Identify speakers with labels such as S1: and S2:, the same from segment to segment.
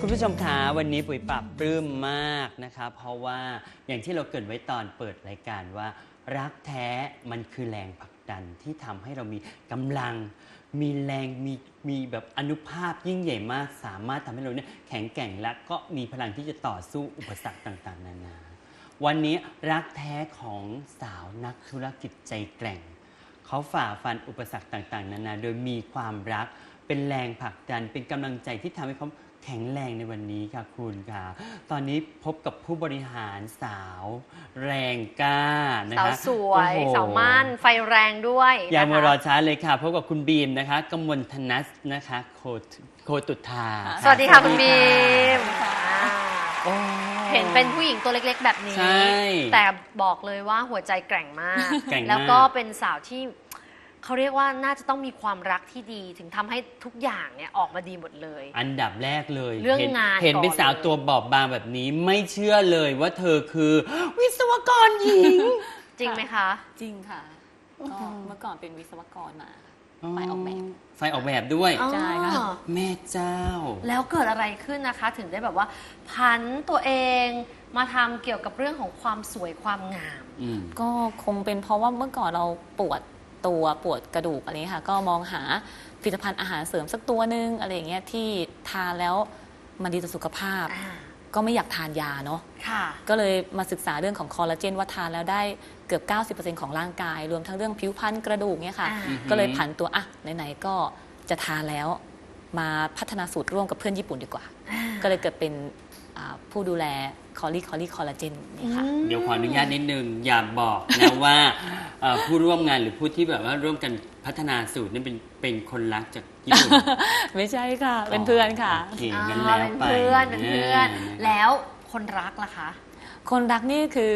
S1: คุณผู้ชมคะวันนี้ปุ๋ยปรับปลื้มมากนะคะเพราะว่าอย่างที่เราเกริ่นไว้ตอนเปิดรายการว่ารักแท้มันคือแรงผลักดันที่ทำให้เรามีกำลังมีแรงมีแบบอานุภาพยิ่งใหญ่มากสามารถทำให้เราเนี่ยแข็งแกร่งและก็มีพลังที่จะต่อสู้อุปสรรคต่างๆนานาวันนี้รักแท้ของสาวนักธุรกิจใจแกร่งเขาฝ่าฟันอุปสรรคต่างๆนานาโดยมีความรักเป็นแรงผลักดันเป็นกำลังใจที่ทำให้เขาแข็งแรงในวันนี้ค่ะคุณค่ะตอนนี้พบกับผู้บริหารสาวแรงกล้านะคะ
S2: สาวสวยสาวมั่นไฟแรงด้วย
S1: อย่ามารอช้าเลยค่ะพบกับคุณบีมนะคะกมลธนัสนะคะโคตุธา
S2: สวัสดีค่ะคุณบีมเห็นเป็นผู้หญิงตัวเล็กๆแบบนี้แต่บอกเลยว่าหัวใจแกร่งมากแล้วก็เป็นสาวที่เขาเรียกว่าน่าจะต้องมีความรักที่ดีถึงทำให้ทุกอย่างเนี่ยออกมาดีหมดเลย
S1: อันดับแรกเลย
S2: เรื่องงาน
S1: เห็นเป็นสาวตัวบอบบางแบบนี้ไม่เชื่อเลยว่าเธอคือวิศวกรหญิง
S2: จริงไหมคะ
S3: จริงค่ะก็เมื่อก่อนเป็นวิศวกรมาฝ่ายออกแบบ
S1: ด้วย
S3: ใช่ค่ะ
S1: แม่เจ้า
S2: แล้วเกิดอะไรขึ้นนะคะถึงได้แบบว่าผันตัวเองมาทำเกี่ยวกับเรื่องของความสวยความงาม
S3: ก็คงเป็นเพราะว่าเมื่อก่อนเราปวดตัวปวดกระดูกอะไรค่ะก็มองหาผลิตภัณฑ์อาหารเสริมสักตัวนึงอะไรอย่างเงี้ยที่ทานแล้วมันดีต่อสุขภาพก็ไม่อยากทานยาเนาะก็เลยมาศึกษาเรื่องของคอลลาเจนว่าทานแล้วได้เกือบ 90% ของร่างกายรวมทั้งเรื่องผิวพรรณกระดูกเนี่ยค่ะก็เลยผันตัวไหนๆก็จะทานแล้วมาพัฒนาสูตรร่วมกับเพื่อนญี่ปุ่นดีกว่าก็เลยเกิดเป็นผู้ดูแลคอลลาเจนนี่ค่ะ
S1: เดี๋ยวขออนุญาตนิดนึงอย่าบอกนะว่าผู้ร่วมงานหรือผู้ที่แบบว่าร่วมกันพัฒนาสูตรนี่เป็นคนรักจากญี่ปุ่น
S3: ไม่ใช่ค่ะเป็นเพื่อนค่ะ
S1: โอเคงั้นแล้วไป
S2: เป็นเพื่อนแล้วคนรักล่ะคะ
S3: คนรักนี่คือ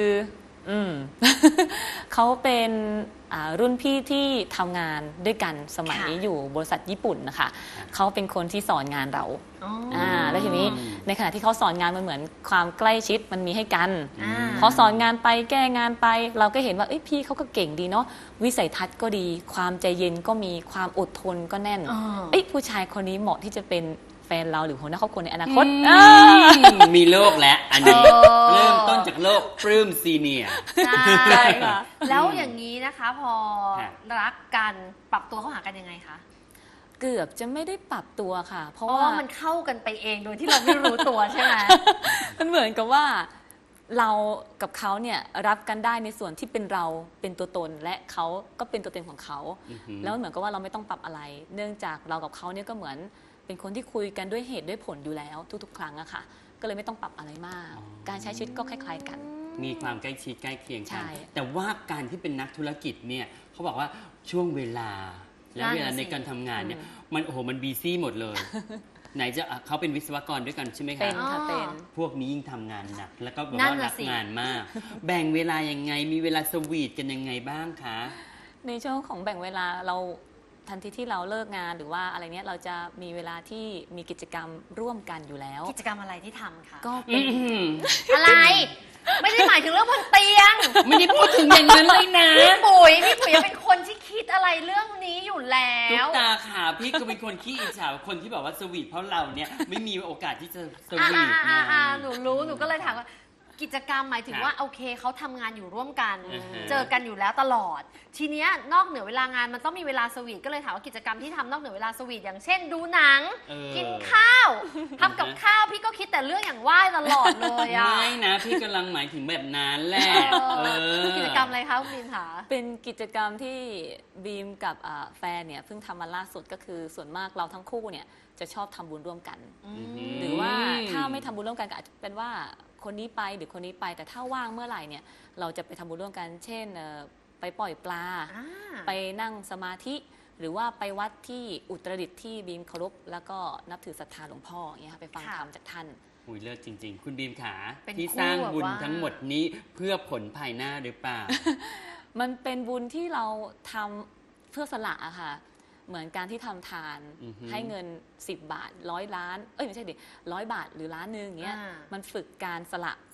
S3: เขาเป็นรุ่นพี่ที่ทำงานด้วยกันสมัยอยู่บริษัทญี่ปุ่นนะคะเขาเป็นคนที่สอนงานเราแล้วทีนี้ในขณะที่เขาสอนงานมันเหมือนความใกล้ชิดมันมีให้กันพอสอนงานไปแก้งานไปเราก็เห็นว่าพี่เขาก็เก่งดีเนาะวิสัยทัศน์ก็ดีความใจเย็นก็มีความอดทนก็แน่นผู้ชายคนนี้เหมาะที่จะเป็นแฟนเราหรือหัวหน้าครอบครัวในอนาคต
S1: มีโลกแล้วอันนี้เริ่มต้นจากโลกปลื้มซีเนียร์
S2: ใช่ค่ะแล้วอย่างนี้นะคะพอรักกันปรับตัวเข้าหากันยังไงคะ
S3: เกือบจะไม่ได้ปรับตัวค่ะเพราะ
S2: ว่ามันเข้ากันไปเองโดยที่เราไม่รู้ตัวใช่ไหม
S3: มันเหมือนกับว่าเรากับเขาเนี่ยรับกันได้ในส่วนที่เป็นเราเป็นตัวตนและเขาก็เป็นตัวตนของเขาแล้วเหมือนกับว่าเราไม่ต้องปรับอะไรเนื่องจากเรากับเขาเนี่ยก็เหมือนเป็นคนที่คุยกันด้วยเหตุด้วยผลอยู่แล้วทุกๆครั้งอะค่ะก็เลยไม่ต้องปรับอะไรมากการใช้ชีวิตก็คล้ายๆกัน
S1: มีความใกล้ชิดใกล้เคียงกันแต่ว่าการที่เป็นนักธุรกิจเนี่ยเขาบอกว่าช่วงเวลาและเวลาในการทำงานเนี่ยมันบีซี่หมดเลยไหนจะเขาเป็นวิศวกรด้วยกันใช่ไหมคะ
S3: เป็นค่ะเป็น
S1: พวกนี้ยิ่งทำงานหนักแล้วก็แบบว่ารักงานมากแบ่งเวลายังไงมีเวลาสวีทกันยังไงบ้างคะ
S3: ในช่วงของแบ่งเวลาเราทันทีที่เราเลิกงานหรือว่าอะไรเนี้ยเราจะมีเวลาที่มีกิจกรรมร่วมกันอยู่แล้ว
S2: กิจกรรมอะไรที่ทำคะ
S3: ก็เป็น
S2: อะไรไม่ได้หมายถึงเรื่องบนเตียง
S1: ไม่ได้พูดถึงอย่างนั้นเลยนะ
S2: พี่ปุ๋ยเป็นคนที่คิดอะไรเรื่องนี้อยู่แล้ว
S1: ตุ๊กตาค่ะพี่ก็เป็นคนขี้อิจฉาคนที่แบบว่าสวีทเพราะเราเนี่ยไม่มีโอกาสที่จะสวีท
S2: หนูรู้หนูก็เลยถามว่ากิจกรรมหมายถึงว่าโอเคเขาทำงานอยู่ร่วมกันเจอกันอยู่แล้วตลอดทีเนี้ยนอกเหนือเวลางานมันต้องมีเวลาสวีทก็เลยถามว่ากิจกรรมที่ทำนอกเหนือเวลาสวีทอย่างเช่นดูหนังกินข้าวทำกับข้าวพี่ก็คิดแต่เรื่องอย่างว่ายตลอดเลยอะ
S1: ไม่นะพี่กำลังหมายถึงแบบนั้นแหละ
S2: กิจกรรมอะไรคะคุณบีมคะ
S3: เป็นกิจกรรมที่บีมกับแฟนเนี่ยเพิ่งทำมาล่าสุดก็คือส่วนมากเราทั้งคู่เนี่ยจะชอบทำบุญร่วมกันหรือว่าถ้าไม่ทำบุญร่วมกันก็อาจจะเป็นว่าคนนี้ไปหรือคนนี้ไปแต่ถ้าว่างเมื่อไหร่เนี่ยเราจะไปทำบุญร่วมกันเช่นไปปล่อยปลาไปนั่งสมาธิหรือว่าไปวัดที่อุตรดิตถ์ที่บีมเคารพแล้วก็นับถือศรัทธาหลวงพ่ออย่างเงี้ยไปฟังธรรมจากท่าน
S1: หุยเลิศจริงๆคุณบีมขาที่สร้างบุญทั้งหมดนี้เพื่อผลภายหน้าหรือเปล่า
S3: มันเป็นบุญที่เราทำเพื่อสละอะค่ะเหมือนการที่ทำทานให้เงิน10 บาท100 ล้านไม่ใช่ดิ100 บาทหรือ1 ล้านอย่างเงี้ยมันฝึกการสละ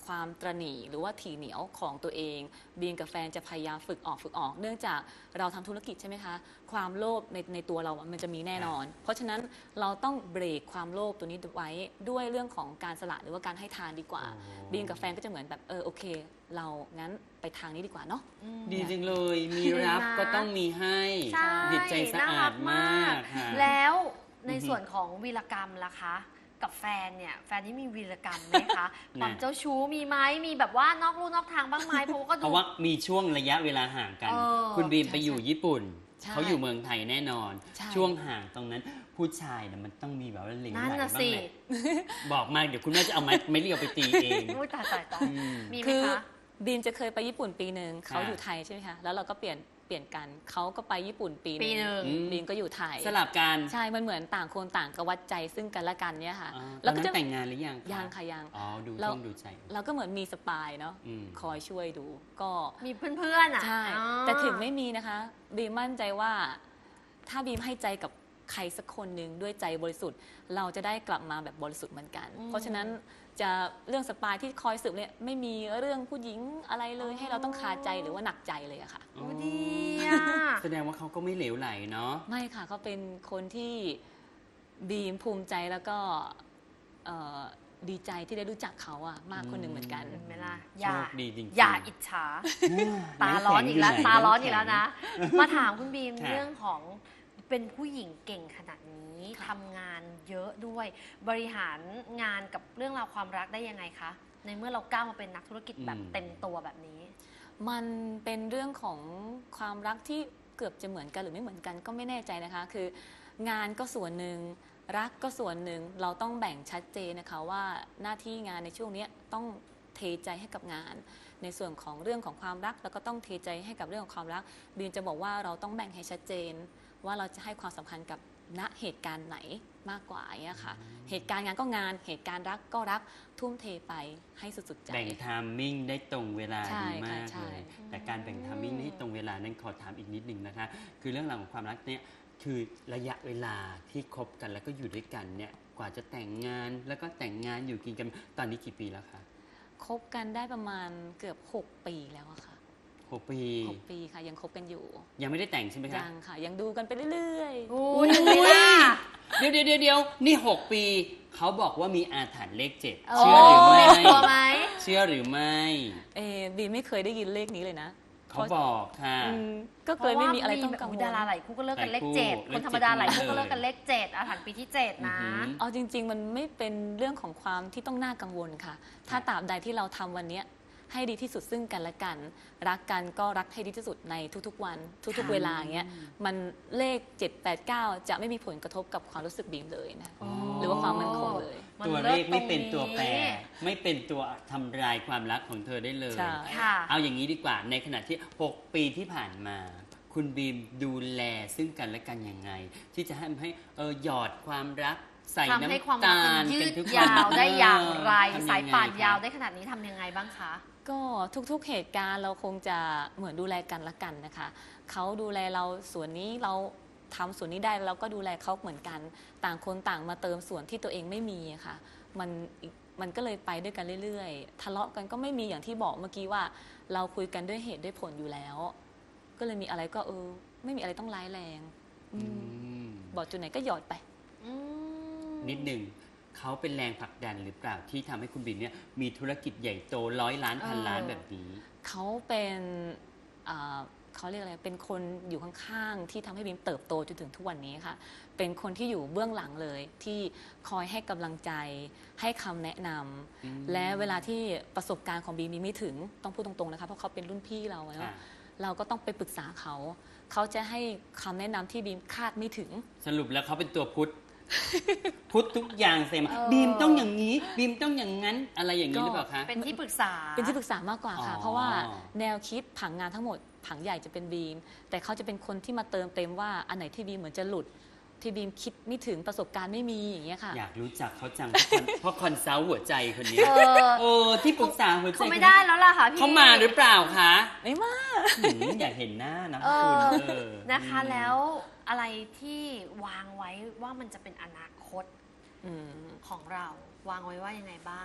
S3: ความตระหนี่หรือว่าถี่เหนียวของตัวเองบีมกับแฟนจะพยายามฝึกออกเนื่องจากเราทำธุรกิจใช่ไหมคะความโลภในตัวเรามันจะมีแน่นอน เพราะฉะนั้นเราต้องเบรกความโลภตัวนี้ไว้ด้วยเรื่องของการสละหรือว่าการให้ทานดีกว่า
S1: โอ้
S3: บีมกับแฟนก็จะเหมือนแบบโอเค เรางั้นไปทางนี้ดีกว่าเนาะ
S1: ดีจังเลย มีรับ
S2: ดีนะ
S1: ก็ต้องมีให้
S2: ใช่
S1: จิตใจสะอาดมากค่ะ
S2: แล้วใน
S1: อือฮึ
S2: ส่วนของวีรกรรมล่ะคะ กับแฟนเนี่ยแฟนนี่มีวีรกรรมไหมคะ
S1: น่ะ
S2: ความเจ้าชู้มีไหมมีแบบว่านอกลู่นอกทางบ้างไหมเพราะว่าก็
S1: เพ
S2: ดู
S1: ราะว่ามีช่วงระยะเวลาห่างกัน
S2: เออ
S1: คุณบีม
S3: ใช่
S1: ไปอยู่ญี่ปุ่น
S3: ใช่
S1: เขาอยู่เมืองไทยแน่นอน
S3: ใช่
S1: ช่วงห่างตรงนั้น ผู้ชายเนี่ยมันต้องมีแบบว่าเหลง
S2: นั่น
S1: ไหล
S2: น่ะ
S1: บ้าง
S2: สิ
S1: แหละบอกมาเดี๋ยวคุณแม่จะเอาไม้เรียวไปตีเอง
S2: อุ้ยตาย
S1: อืม
S2: มีไหม
S3: คือ
S2: คะ
S3: บีมจะเคยไปญี่ปุ่นปีหนึ่งเขา
S1: ค่ะ
S3: อยู่ไทยใช่ไหมคะแล้วเราก็เปลี่ยนกันเขาก็ไปญี่ปุ่นปีห
S2: ปีหนึ่ง
S1: อืม
S3: บีมก็อยู่ไทย
S1: สลับกัน
S3: ใช่ มันเหมือนต่างคนต่างกวัดใจซึ่งกันและกันเนี่ยค่ะ
S1: อ๋อต
S3: แล้
S1: อ
S3: วน ก็
S1: นั้น
S3: จะ
S1: แต่งงานหรือยัง
S3: ยังค่ะยัง
S1: อ๋อดู
S3: เรา
S1: ช่วงดูใจ
S3: เราก็เหมือนมีสปายเนาะ
S1: อืม
S3: คอยช่วยดูก็
S2: มีเพื่อนๆอ่ะ
S3: ใช่
S2: อ๋อ
S3: แต่ถึงไม่มีนะคะบีมมั่นใจว่าถ้าบีมให้ใจกับใครสักคนหนึ่งด้วยใจบริสุทธิ์ เราจะได้กลับมาแบบบริสุทธิ์เหมือนกัน เพราะฉะนั้นจะเรื่องสปายที่คอยสืบเนี่ยไม่มีเรื่องผู้หญิงอะไรเลยให้เราต้องคาใจหรือว่าหนักใจเลยอะค่ะ
S2: โอ้ดีอ่ะ
S1: แสดงว่าเขาก็ไม่เหลวไหลเนาะ
S3: ไม่ค่ะเขาเป็นคนที่บีมภูมิใจแล้วก็เอ่อดีใจที่ได้รู้จักเขาอะมากคนหนึ่งเหมือนกัน
S2: เห็นไหมล่ะ
S1: โชคดีจริงๆ
S2: อย่าอิจฉา ตาร้อนอีกแล้ว
S1: ำข็งยู่ไห
S2: ตาร้อนอีกแล้วนะ มาถามคุณบีม
S1: ค่ะ
S2: เรื่องของเป็นผู้หญิงเก่งขนาดนี้ทำงานเยอะด้วย บริหารงานกับเรื่องราวความรักได้ยังไงคะ ในเมื่อเราก้าวมาเป็นนักธุรกิจแบบเต็มตัวแบบนี้
S3: มันเป็นเรื่องของความรักที่เกือบจะเหมือนกันหรือไม่เหมือนกันก็ไม่แน่ใจนะคะ คืองานก็ส่วนหนึ่งรักก็ส่วนหนึ่งเราต้องแบ่งชัดเจนนะคะว่าหน้าที่งานในช่วงนี้ต้องเทใจให้กับงาน ในส่วนของเรื่องของความรักแล้วก็ต้องเทใจให้กับเรื่องของความรักบีมจะบอกว่าเราต้องแบ่งให้ชัดเจน ว่าเราจะให้ความสำคัญกับณเหตุการณ์ไหนมากกว่าอย่างเงี้ยค่ะ เหตุการณ์งานก็งานเหตุการณ์รักก็รักทุ่มเทไปให้สุดๆใจ
S1: แบ่งไทามมิ่งได้ตรงเวลา
S3: ใช่
S1: ดีมาก
S3: ค่ะใช่
S1: เลยแต่การแบ่งไทามมิ่งให้ตรงเวลานั้นขอถามอีกนิดนึงนะคะ คือเรื่องราวของความรักเนี่ยคือระยะเวลาที่คบกันแล้วก็อยู่ด้วยกันเนี่ยกว่าจะแต่งงานแล้วก็แต่งงานอยู่กินกันตอนนี้กี่ปีแล้วคะ
S3: คบกันได้ประมาณเกือบ6 ปีแล้วอะค่ะ
S1: 6 ปี
S3: 6 ปีค่ะยังคบกันอยู่
S1: ยังไม่ได้แต่งใช่ไหมคะ
S3: ยังค่ะ ยังดูกันไปเรื่อย
S2: โอ้ยเห็นไหมล่ะ
S1: เดี๋ยวนี่ 6 ปีเขาบอกว่ามีอาถรรพ์เลข 7
S2: โอ้
S1: เชื่อหรือไม่
S2: กลัวไหม
S1: เชื่อหรือไม่
S3: บีไม่เคยได้ยินเลขนี้เลยนะ
S1: เขาบอกค่ะ
S3: อืมก็เลยไม่มีอะไรต้องกังวล
S2: ดาราหลายคู่ก็เลิกกันเลข
S1: หลายคู่
S2: เจ็ด
S1: เล
S2: ค
S1: ข
S2: นธรรมดาหลายคู่
S1: เจ็ด
S2: ก็เลิกกันเลขเจ็ดอาถรรพ์ปีที่ 7 นะ
S1: อือหือ
S3: เอาจริง ๆ มันไม่เป็นเรื่องของความที่ต้องน่ากังวลค่ะ ถ้าตราบใดที่เราทำวันเนี้ยให้ดีที่สุดซึ่งกันและกัน รักกันก็รักให้ดีที่สุดในทุกๆวัน ทุก
S2: ค่ะ
S3: ๆเวลาอย่างเงี้ยมันเลข 7 8 9 จะไม่มีผลกระทบกับความรู้สึกบีมเลยนะ
S1: อ๋อ
S3: หรือว่าความมั่นคงเลย
S2: มัน
S1: ตัว
S2: เลิ
S1: เล
S2: ศ
S1: ขไม่เป็น
S2: ตรงนี้
S1: ตัวแปร ไม่เป็นตัวทำลายความรักของเธอได้เลย
S3: ใช่
S2: ค่ะ
S1: เอาอย่างนี้ดีกว่าในขณะที่ 6 ปีที่ผ่านมา คุณบีมดูแลซึ่งกันและกันยังไง ที่จะให้หยอดความรักใส่
S2: ทำให้ความ
S1: น้ำ
S2: รัก
S1: ตา
S2: มัน
S1: ล
S2: ยื
S1: เป็น
S2: ด
S1: ทุก
S2: ยาวได้อย่างไร
S1: ทำงไง
S2: สายป่าน
S1: คะ
S2: ยาวได้ขนาดนี้ทำยังไงบ้างคะ
S3: ก็ทุกๆเหตุการณ์เราคงจะเหมือนดูแลกันละกันนะคะ เขาดูแลเราส่วนนี้เราทำส่วนนี้ได้เราก็ดูแลเขาเหมือนกัน ต่างคนต่างมาเติมส่วนที่ตัวเองไม่มีอะค่ะ มันก็เลยไปด้วยกันเรื่อยๆ ทะเลาะกันก็ไม่มีอย่างที่บอกเมื่อกี้ว่า เราคุยกันด้วยเหตุด้วยผลอยู่แล้ว ก็เลยมีอะไรก็ไม่มีอะไรต้องร้ายแรงอืม
S1: อืม
S3: บอกจุดไหนก็หยอดไป
S2: อืม
S1: นิดหนึ่งเขาเป็นแรงผลักดันหรือเปล่าที่ทำให้คุณบีมเนี่ยมีธุรกิจใหญ่โต100 ล้านพันล้านแบบนี้
S3: เขาเป็นเขาเรียกอะไร เป็นคนอยู่ข้างๆที่ทำให้บีมเติบโตจนถึงทุกวันนี้ค่ะ เป็นคนที่อยู่เบื้องหลังเลยที่คอยให้กำลังใจ ให้คำแนะนำ
S1: อืม
S3: และเวลาที่ประสบการณ์ของบีมมีไม่ถึงต้องพูดตรงๆนะคะเพราะเขาเป็นรุ่นพี่เราเน
S1: ค่ะ
S3: อะเราก็ต้องไปปรึกษาเขา เขาจะให้คำแนะนำที่บีมคาดไม่ถึง
S1: สรุปแล้วเขาเป็นตัวพุทธ พุทธทุกอย่างเสมา
S2: เออ
S1: บีมต้องอย่างนี้ บีมต้องอย่างนั้นอะไรอย่างนี้หรือเปล่าคะ
S2: เป็นที่ปรึกษา
S3: เป็นที่ปรึกษามากกว่าค่ะ
S1: อ๋อ
S3: เพราะว่าแนวคิดผังงานทั้งหมด ผังใหญ่จะเป็นบีม แต่เขาจะเป็นคนที่มาเติมเต็มว่าอันไหนที่บีมเหมือนจะหลุด ที่บีมคิดไม่ถึงประสบการณ์ไม่มีอย่างเงี้ยค่ะ
S1: อยากรู้จักเขาจัง เพราะคอนซัลท์หัวใจคนนี้
S2: เออ
S1: ที่ปรึกษาหัวใจ
S2: เขาไม่ได้แล้วล่ะค่ะพี่
S1: เขามาหรือเปล่าคะ
S3: ไม่มา
S1: อยากเห็นหน้านะ
S2: เอ
S1: คุณ
S2: อ
S1: เออ
S2: นะคะแล้วอะไรที่วางไว้ว่ามันจะเป็นอนาคต
S3: อืม
S2: ของเรา วางไว้ว่ายังไงบ้าง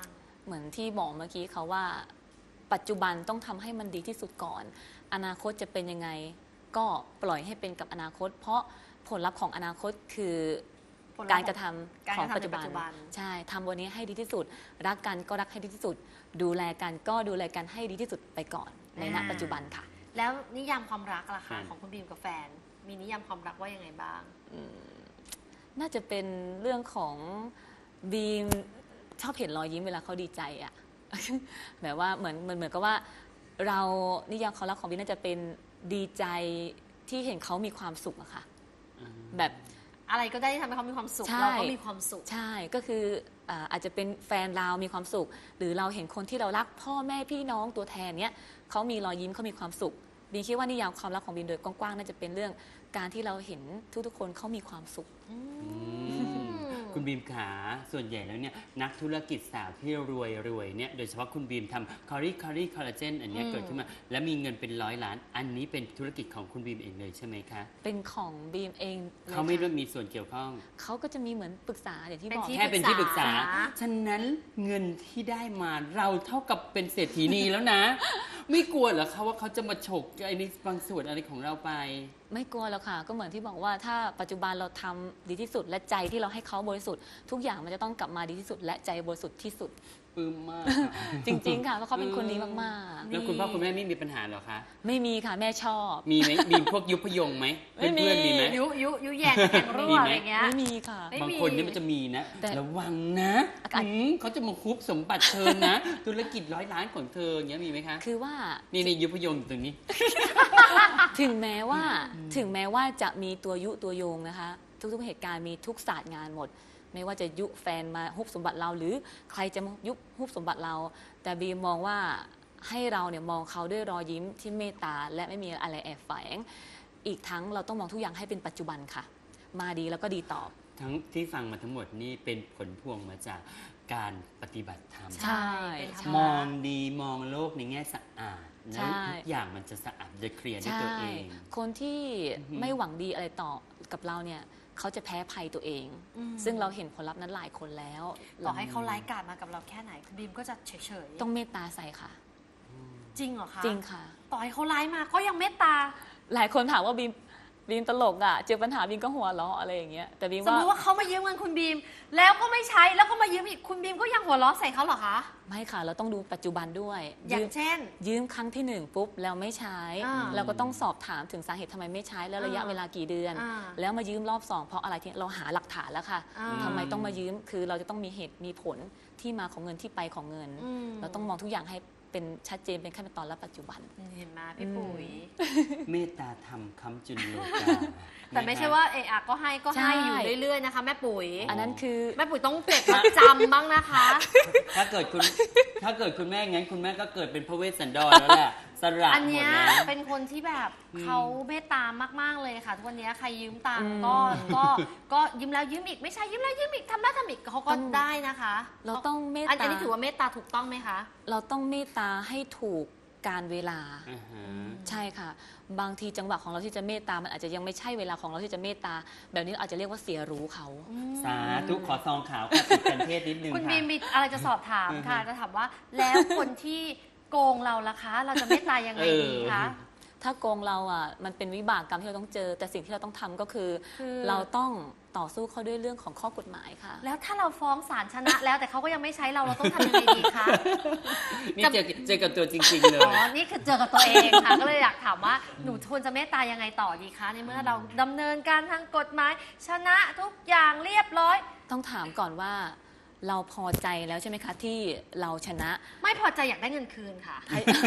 S3: เหมือนที่บอกเมื่อกี้เขาว่า ปัจจุบันต้องทำให้มันดีที่สุดก่อน อนาคตจะเป็นยังไง ก็ปล่อยให้เป็นกับอนาคต เพราะผลลัพธ์ของอนาคตคือ
S2: ผลลัพธ์
S3: การกระทำ
S2: การ
S3: ของ
S2: กระทำ
S3: ปัจจุบัน
S2: ในปัจจุบัน
S3: ใช่ทำวันนี้ให้ดีที่สุด รักกันก็รักให้ดีที่สุด ดูแลกันก็ดูแลกันให้ดีที่สุดไปก่อนในณปัจจุบันค่ะ
S2: แล้วนิยามความรักล่ะ
S1: ครั
S2: คะ
S1: บ
S2: ของคุณบีมกับแฟน มีนิยามความรักว่ายังไงบ้าง
S3: น่าจะเป็นเรื่องของบีมชอบเห็นรอยยิ้มเวลาเขาดีใจอะ แบบว่าเหมือนกับว่าเรานิยามความรักของบีมน่าจะเป็นดีใจที่เห็นเขามีความสุขอะค่ะ แบบ
S2: อะไรก็ได้ที่ทำให้เขามีความสุข
S3: ใช่
S2: เราก็มีความสุข
S3: ใช่ก็คืออาจจะเป็นแฟนเรามีความสุข หรือเราเห็นคนที่เรารักพ่อแม่พี่น้องตัวแทนเนี้ยเขามีรอยยิ้มเขามีความสุขบีมคิดว่านิยามความรักของบีมโดยกว้างๆน่าจะเป็นเรื่องการที่เราเห็นทุกๆคนเขามีความสุข
S1: คุณบีมขาส่วนใหญ่แล้วเนี่ยนักธุรกิจสาวที่รวยเนี่ยโดยเฉพาะคุณบีมทำคอลลาเจนอันเนี้ยเกิดขึ้นมา และมีเงินเป็น100 ล้าน อันนี้เป็นธุรกิจของคุณบีมเองเลยใช่ไหมคะ
S3: เป็นของบีมเองลย
S1: เขาไม่
S3: ค่ะ
S1: ได้มีส่วนเกี่ยวข้อง
S3: เขาก็จะมีเหมือนปรึกษาอย่างที่
S2: เป็น
S3: บอก
S2: ที่
S1: แค่เป็นที่ปรึกษา
S2: ปรึกษา
S1: ฉะนั้นเงินที่ได้มาเราเท่ากับเป็นเศรษฐีนีแล้วนะ ไม่กลัวเหรอคะว่าเขาจะมาฉกไอ้นี่บางส่วนอะไรของเราไป
S3: ไม่กลัวแล้วค่ะ ก็เหมือนที่บอกว่าถ้าปัจจุบันเราทำดีที่สุด และใจที่เราให้เขาบริสุทธิ์ทุกอย่างมันจะต้องกลับมาดีที่สุด และใจบริสุทธิ์ที่สุด
S1: ปลื้มมาก
S3: จริง ๆ ค่ะเพราะเขาเป็นคนดีมาก
S1: แล้วคุณพ่อคุณแม่ไม่มีปัญหาเหรอคะ
S3: ๆ ไม่มีค่ะแม่ชอบ
S1: มีไหมมีพวกยุพยงไหม
S3: ไม่มี
S1: เพื่อนๆมีไหม
S2: ยุแยงแข่งรั่
S1: มี
S2: ว
S1: ไหม
S2: อะไรเงี้ย
S3: ไม่มีค่ะ
S2: ไม่
S1: บาง
S2: มี
S1: คนนี่มันจะมีนะ
S3: แต่
S1: ระวังนะ
S3: อากาศ
S1: เขาจะมาคุบสมบัติเธอนะ ธุรกิจ100 ล้านของเธออย่างเงี้ยมีไหมคะ
S3: คือว่า
S1: นี่ยุพยงอยู่ตรงนี้
S3: ถึงแม้ว่าจะมีตัวยุตัวโยงนะคะ ทุกๆเหตุการณ์มีทุกศาสตร์งานหมด ไม่ว่าจะยุแฟนมาฮุบสมบัติเรา หรือใครจะมายุบฮุบสมบัติเรา แต่บีมมองว่าให้เราเนี่ยมองเขาด้วยรอยยิ้มที่เมตตาและไม่มีอะไรแอบแฝงอีกทั้งเราต้องมองทุกอย่างให้เป็นปัจจุบันค่ะ มาดีแล้วก็ดีตอบ
S1: ทั้งที่ฟังมาทั้งหมดนี่เป็นผลพวงมาจากการปฏิบัติธรรม
S3: ใช่
S2: เป็นธรร
S3: ใช่
S1: มองดีมองโลกในแง่สะอาด
S3: ใช่
S1: แล้วทุกอย่างมันจะสะอาดจะเคลียร์ด้วยตัวเอง
S3: คนที่
S1: อือหือ
S3: ไม่หวังดีอะไรต่อกับเราเนี่ยเขาจะแพ้ภัยตัวเอง
S2: อืม
S3: ซึ่งเราเห็นผลลัพธ์นั้นหลายคนแล้ว
S2: ต่อให้เขาไร้ายกาจมากับเราแค่ไหนคุณบีมก็จะเฉยๆ
S3: ต้องเมตตาใส่ค่ะ
S2: จริงเหรอคะ
S3: จริงค่ะ
S2: ต่อให้เขาร้ายมาก็ยังเมตตา
S3: หลายคนถามว่าบีมตลกอ่ะเจอปัญหาบีมก็หัวเราะอะไรอย่างเงี้ยแต่บีม
S2: สม
S3: ว่าม
S2: ติว่าเขามายืมเงินคุณบีม แล้วก็ไม่ใช้แล้วก็มายืมอีกคุณบีมก็ยังหัวเราะใส่เขาเหรอคะ
S3: ไม่ค่ะ เราต้องดูปัจจุบันด้วย
S2: อย่างเช่น
S3: ยืมครั้งที่หนึ่งปุ๊บแล้วไม่ใช้
S2: อ่า
S3: เราก็ต้องสอบถามถึงสาเหตุทำไมไม่ใช้แล้วระยะ
S2: อ่า
S3: เวลากี่เดือน
S2: อ่า
S3: แล้วมายืมรอบสองเพราะอะไรที่เราหาหลักฐานแล้วค่ะ
S2: อ่า
S3: ทำไมต้องมายืมคือเราจะต้องมีเหตุมีผลที่มาของเงินที่ไปของเงิน
S2: อืม
S3: เราต้องมองทุกอย่างให้เป็นชัดเจนเป็นขั้นเป็นตอนและปัจจุบัน
S2: เห็นไหมพี่ปุ๋ย
S1: เมตตาธรรมค้ำจุนโลกา
S2: แต่ไม่ใช่ว่าเอะอะก็ให้ก็ให้
S3: ใช่
S2: อยู่เรื่อยๆนะคะแม่ปุ๋ย
S3: อันนั้นคือ
S2: แม่ปุ๋ยต้องเก็บมัดจำบ้างนะคะ
S1: ถ้าเกิดคุณแม่งั้นคุณแม่ก็เกิดเป็นพระเวสสันดรแล้วแหละสละ
S2: อัน
S1: หมด
S2: เนี้ย
S1: แล้ว
S2: เป็นคนที่แบบ
S1: อืม
S2: เขาเมตตามากๆเลยค่ะทุกวันเนี้ยใครยืมตัง
S3: อื
S2: ค์
S3: ม
S2: ก็ยืมแล้วยืมอีกไม่ใช่ยืมแล้วยืมอีกทำแล้วทำอีกเขาก็
S3: ต้อง
S2: ได้นะคะ
S3: เราต้องเมต
S2: อัน
S3: ตา
S2: นี้ถือว่าเมตตาถูกต้องไหมคะ
S3: เราต้องเมตตาให้ถูกการเวลา
S1: อ่าฮะ
S3: ใช่ค่ะ บางทีจังหวะของเราที่จะเมตตา มันอาจจะยังไม่ใช่เวลาของเราที่จะเมตตา แบบนี้เราอาจจะเรียกว่าเสียรู้เขา
S1: สาธุขอซองขาวค่ะติดกันเทศนิดนึง
S2: คุณ
S1: ค่ะ
S2: บีมมีอะไรจะสอบถามค่ะ จะถามว่าแล้วคนที่โกงเราล่ะคะ เราจะเมตตายังไงดีคะ
S3: ถ้าโกงเราอ่ะมันเป็นวิบากกรรมที่เราต้องเจอ แต่สิ่งที่เราต้องทำก็คือ
S2: คือ
S3: เราต้องต่อสู้เขาด้วยเรื่องของข้อกฎหมายค่ะ
S2: แล้วถ้าเราฟ้องศาลชนะแล้วแต่เขาก็ยังไม่ใช้เราเราต้องทำยังไงดีคะ
S1: นี่เจอกับตัวจริง ๆ เล
S2: อ๋อ
S1: ย
S2: นี่คือเจอกับตัวเองค่ะ ก็เลยอยากถามว่าหนูควรจะเมตตายังไงต่อดีคะ ในเมื่อเราดำเนินการทางกฎหมาย ชนะทุกอย่างเรียบร้อย
S3: ต้องถามก่อนว่าเราพอใจแล้วใช่ไหมคะที่เราชนะ
S2: ไม่พอใจอยากได้เงินคืนค่ะ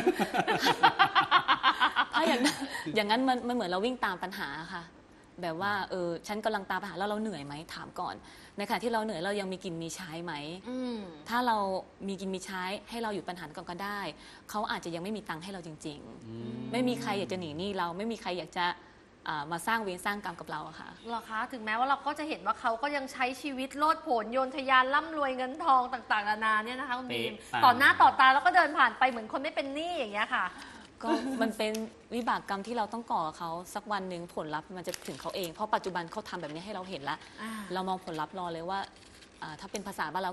S3: ถ้าอย่างนั้นมันเหมือนเราวิ่งตามปัญหาค่ะ แบบว่าฉันกำลังตามปัญหาแล้วเราเหนื่อยไหมถามก่อนในขณะที่เราเหนื่อยเรายังมีกินมีใช้ไหม
S2: อืม
S3: ถ้าเรามีกินมีใช้ให้เราหยุดปัญหาก่อนก็ได้เขาอาจจะยังไม่มีตังค์ให้เราจริง ๆ ไม่มีใครอยากจะหนีหนี้เราไม่มีใครอยากจะมาสร้างเวรสร้างกรรมกับเราอะค่ะ
S2: เหรอคะ ถึงแม้ว่าเราก็จะเห็นว่าเขาก็ยังใช้ชีวิตโลดโผนโยนทะยานร่ำรวยเงินทองต่างๆนานาเนี่ยนะคะคุณบีม
S1: เป๊ะปัง
S2: ต่อหน้าต่อตาแล้วก็เดินผ่านไปเหมือนคนไม่เป็นหนี้อย่างเงี้ยค่ะ
S3: ก็มันเป็นวิบากกรรมที่เราต้องก่อกับเขาสักวันหนึ่งผลลัพธ์มันจะถึงเขาเองเพราะปัจจุบันเขาทำแบบนี้ให้เราเห็นแล้ว เรามองผลลัพธ์รอเลยว่าถ้าเป็นภาษาบ้านเราก็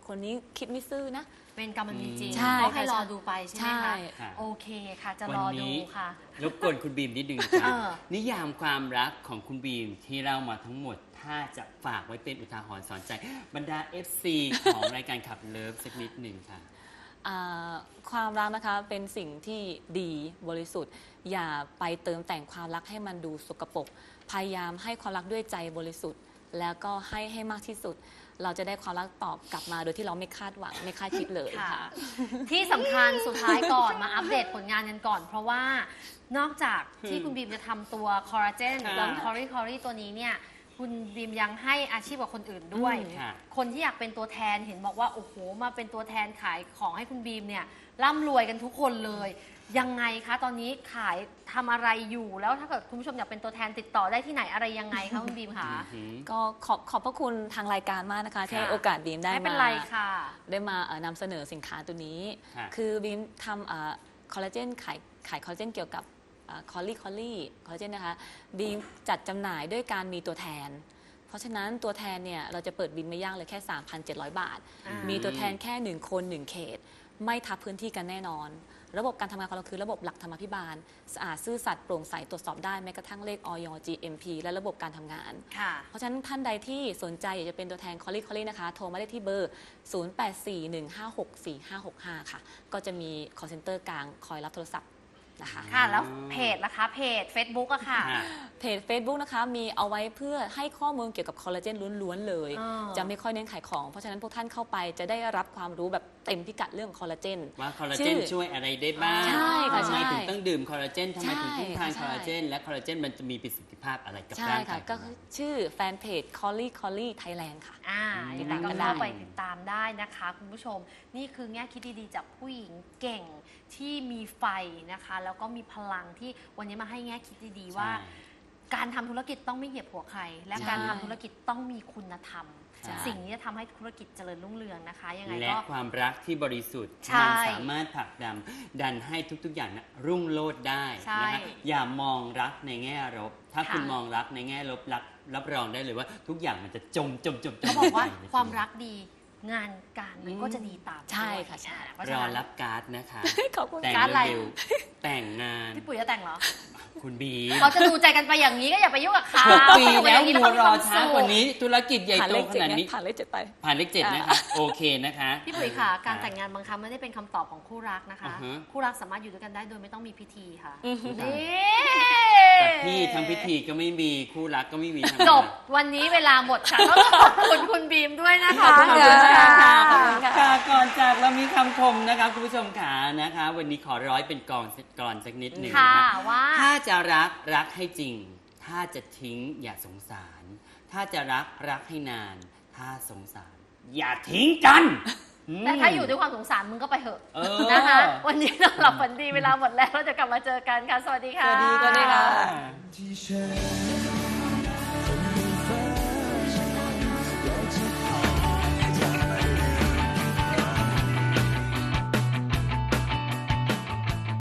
S3: คนนี้คิดไม่ซื่อนะ
S2: เป็นกรรมมันมีจริง
S3: ใช่
S2: ก็ให้
S3: ค่ะ
S2: รอดูไปใช่ไหม
S3: ใช่
S2: คะ
S1: ค่ะ
S2: โอเคค่ะ จะ
S1: วั
S2: ร
S1: น
S2: อ
S1: นี้
S2: ดูค่ะ
S1: รบกวนคุณบีมนิดนึงค่ะ
S2: เออ
S1: นิยามความรักของคุณบีมที่เล่ามาทั้งหมด ถ้าจะฝากไว้เป็นอุทาหรณ์สอนใจบรรดา FC ของรายการขับเลิฟสักนิดหนึ่งค่ะ
S3: ความรักนะคะเป็นสิ่งที่ดีบริสุทธิ์ อย่าไปเติมแต่งความรักให้มันดูสกปรกพยายามให้ความรักด้วยใจบริสุทธิ์ แล้วก็ให้มากที่สุด เราจะได้ความรักตอบกลับมาโดยที่เราไม่คาดหวังไม่คาดคิดเลย
S2: ค่ะ
S3: ค่ะ
S2: ที่สำคัญสุดท้ายก่อนมาอัปเดตผลงานกันก่อน เพราะว่านอกจากที่คุณบีมจะทำตัวคอลลาเจน
S1: ค่ะ
S2: ตัวคอรี่ตัวนี้เนี่ยคุณบีมยังให้อาชีพกับคนอื่นด้วย
S1: ค่ะ
S2: คนที่อยากเป็นตัวแทนเห็นบอกว่าโอ้โหมาเป็นตัวแทนขายของให้คุณบีมเนี่ยร่ำรวยกันทุกคนเลย ยังไงคะตอนนี้ขายทำอะไรอยู่แล้วถ้าเกิดคุณผู้ชมอยากเป็นตัวแทนติดต่อได้ที่ไหนอะไรยังไงคะคุณบีมคะ
S1: อือหือ
S3: ก็ขอบพระคุณทางรายการมากนะคะที่ให้โอกาสบีมได้
S2: ไม่เป็น
S3: มา
S2: ไรค่ะ
S3: ได้มานำเสนอสินค้าตัวนี้
S1: ค่ะ
S3: คือบีมทำคอลลาเจนขายคอลลาเจนเกี่ยวกับคอลลาเจนนะคะบีมจัดจำหน่ายด้วยการมีตัวแทน เพราะฉะนั้นตัวแทนเนี่ยเราจะเปิดบินไม่ยากเลยแค่ 3,700 บาท
S2: อ่ามี
S3: มีตัวแทนแค่ 1 คน 1 เขต ไม่ทับพื้นที่กันแน่นอน ระบบการทำงานของเราคือระบบหลักธรรมาภิบาลสะอาดซื่อสัตย์โปร่งใสตรวจสอบได้แม้กระทั่งเลขอย GMP และระบบการทำงาน
S2: ค่ะ
S3: เพราะฉะนั้นท่านใดที่สนใจอยากจะเป็นตัวแทนคอลลี่นะคะ โทรมาได้ที่เบอร์ 0841564565 ค่ะ ก็จะมี call center กลางคอยรับโทรศัพท์นะคะ
S2: ค่ะ แล้วเพจล่ะคะเพจ Facebook อะค่ะ
S1: ค่ะ
S3: เพจ Facebook นะคะมีเอาไว้เพื่อให้ข้อมูลเกี่ยวกับคอลลาเจนล้วนๆเลย
S2: อ๋อ
S3: จะไม่ค่อยเน้นขายของ เพราะฉะนั้นพวกท่านเข้าไปจะได้รับความรู้แบบเต็มพิกัดเรื่องคอลลาเจน
S1: ว่าคอลลา
S3: ชื่
S1: เจน
S3: อ
S1: ช่วยอะไรได้บ้าง
S3: ใช่ค่ะ
S1: ทำไม
S3: ใช่
S1: ถึงต้องดื่มคอลลาเจนทำไมถึงต้องทาน
S3: ใช่
S1: คอลลาเจน และคอลลาเจนมันจะมีประสิทธิภาพอะไรกับ
S3: ใช่
S1: ร่าง
S3: ค่ะ
S1: กาย
S3: ก็
S1: ของเรา
S3: ชื่อแฟนเพจ Collie Thailand ค่ะ
S2: ยังไงก็เข้าไปติดตามได้นะคะคุณผู้ชม นี่คือแง่คิดดีๆจากผู้หญิงเก่งที่มีไฟนะคะ แล้วก็มีพลังที่วันนี้มาให้แง่คิดดีๆว่า
S1: ใช่
S2: การทำธุรกิจต้องไม่เหยียบหัวใคร และ
S3: ใช่
S2: การทำธุรกิจต้องมีคุณธรรม
S1: ใช่
S2: สิ่งนี้จะทำให้ธุรกิจเจริญรุ่งเรืองนะคะ ยังไง
S1: และ
S2: ก็
S1: ความรักที่บริสุทธิ์
S2: ใช่
S1: มันสามารถผลักดันให้ทุกๆอย่างนะรุ่งโรจน์ได้
S2: ใช่
S1: นะฮะอย่ามองรักในแง่ลบถ้า
S2: ค่ะ
S1: คุณมองรักในแง่ลบรับรองได้เลยว่าทุกอย่างมันจะจม
S2: เขาบอกว่า
S1: ไปใน
S2: ความรักดีงานการมันก็จะดีตาม
S3: ใช่
S2: ด้วย
S3: ค่ะใช่
S2: เพราะ
S1: ร
S2: ฉะ
S1: อ
S2: นั้น
S1: รับการ์ดนะคะ
S3: ขอบคุณ
S1: แต่ง
S2: การ์ดอะไร
S1: เร็วๆแต่งงาน
S2: พี่ปุ๋ยจะแต่งเหรอ
S1: คุณบี
S2: เขาจะดูใจกันไปอย่างนี้ก็อย่าไปยุ่งกับเขา
S1: 6 ปีแล้ว
S2: อยู่
S1: มัว
S2: กัน
S1: ร
S2: ย่า
S1: อง
S2: นี้
S1: ช้ากว่านี้ธุรกิจใหญ่
S3: ผ่าน
S1: โต
S3: เลข
S1: ข
S3: เจ็ด
S1: นาด
S3: ไง
S1: นี้
S3: ผ่านเลขเจ็ดไป
S1: ผ่านเลข7นะคะโอเคนะคะ
S2: พี่ปุ๋ยค่ะ การแต่งงานบางครั้งไม่ได้เป็นคำตอบของคู่รักนะคะ
S1: อ่าฮะ
S2: คู่รักสามารถอยู่ด้วยกันได้โดยไม่ต้องมีพิธีค่ะ
S3: อือฮึ
S2: นี่
S1: แต่พี่ทำพิธีก็ไม่มีคู่รักก็ไม่มีทำไม
S2: จบวันนี้เวลาหมดค่ะต้องขอบคุณคุณบีมด้วยนะคะ
S3: ขอบคุณค่ะ ขอบคุณค่ะ
S1: ค่ะก่อนจากเรามีคำคมนะคะคุณผู้ชมขานะคะ วันนี้ขอร้อยเป็นกรอนสักนิดหนึ่ง
S2: ค่ะ
S1: นะ
S2: ว่า
S1: ถ้าจะรักให้จริง ถ้าจะทิ้งอย่าสงสาร ถ้าจะรักให้นาน ถ้าสงสาร อย่าทิ้งกันอืม
S2: แต่ถ้าอยู่ด้วยความสงสารมึงก็ไปเถอะ
S1: เออ
S2: นะคะ วันนี้เราหลับฝันดีเวลาหมดแล้วเราจะกลับมาเจอกันค่ะ สวัสดีค่ะ
S3: สวัสดีค่ะ
S4: ที่ฉัน